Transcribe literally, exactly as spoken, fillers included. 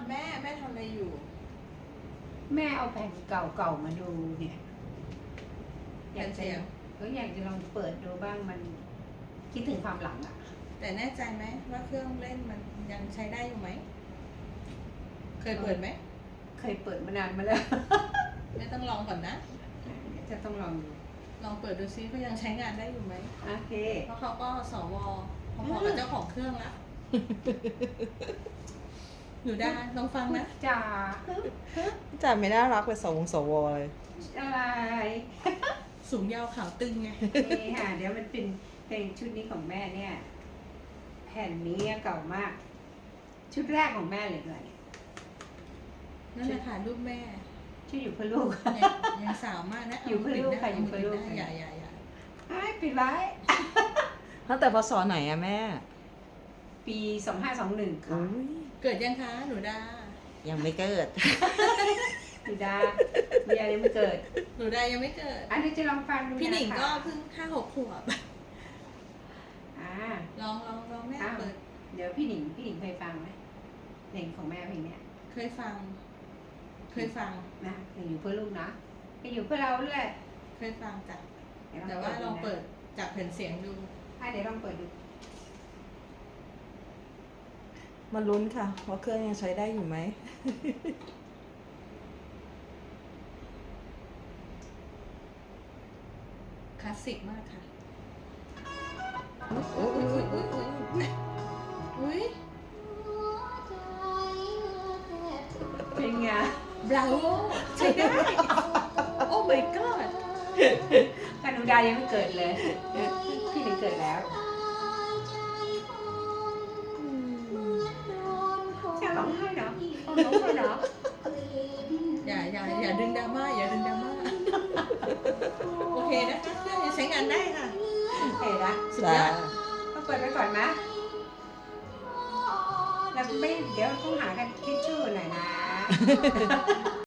แม่แม่ทำอะไรอยู่แม่เอาแผ่นเก่าๆมาดูเนี่ยอแผ่ยากนจะเสียงก็อยากจะลองเปิดดูบ้างมันคิดถึงความหลังอ่ะแต่แน่ใจไหมว่าเครื่องเล่นมันยังใช้ได้อยู่ไหมเคยเปิดไหมเคยเปิดมานานมาแล้วแม่ต้องลองก่อนนะจะต้องลองดูลองเปิดดูซิเขายังใช้งานได้อยู่ไหมโอเคเพราะเขาก็สวพอๆกับเจ้าของเครื่องละอยู่ได้ลองฟังนะจ๋าจ่าไม่น่ารักเป็นสวงสวเลยอะไรสูงยาวขาวตึงไงนี่ค่ะเดี๋ยวมันเป็นเพลงชุดนี้ของแม่เนี่ย แผ่นนี้เก่ามาก ชุดแรกของแม่เลยเลยนั่นแหละค่ะรูปแม่ชื่ออยู่เพื่อลูกยังยังสาวมากนะอยู่เพื่อลูกค่ะอยู่เพื่อลูกอย่าอย่าอย่าไอ้ปิดไว้ตั้งแต่พศไหนอะแม่ปีสองห้าสองหนึ่งค่ะอุ้ยเกิดยังคะหนูดายังไม่เกิดปิดาเมียยังไม่เกิดหนูดายังไม่เกิดอันนี้จะลองฟังดูพี่หนิงะคะก็เพิ่งห้าหกขวบอ่าลองลองลองแม่อ้าวเปิดเดี๋ยวพี่หนิงพี่หนิงเคยฟังไหมเพลงของแม่เพลงเนี้ยเคยฟัง เคยฟังนะเพลงอยู่เพื่อลูกนะเพลงอยู่เพื่อเราด้วยเคยฟังจ้ะเดี๋ยแต่ว่าลองเปิดจากแผ่นเสียงดูอ่ะเดี๋ยวลองเปิดดูมาลุ้นค่ะว่าเครื่องยังใช้ได้อยู่ไหมคลาสสิกมากค่ะ อุ้ยอุ้ยอุ้ยอุ้ยอุ้ยอุ้ยเป็นไงบราโวใช้ได้ โอ้ my god กานูดายังไม่เกิดเลย พี่หนิงเกิดแล้วจะร้องไห้เนาะร้องไห้เนาะอย่าอย่าอย่าดึงดราม่าอย่าดึงดราม่า โอเคนะคะเครื่องยังใช้งานได้ค่ะโอเคนะสุดยอดก็เปิดไปก่อนนะแล้วไม่เดี๋ยวต้องหากันทิชชู่หน่อยนะ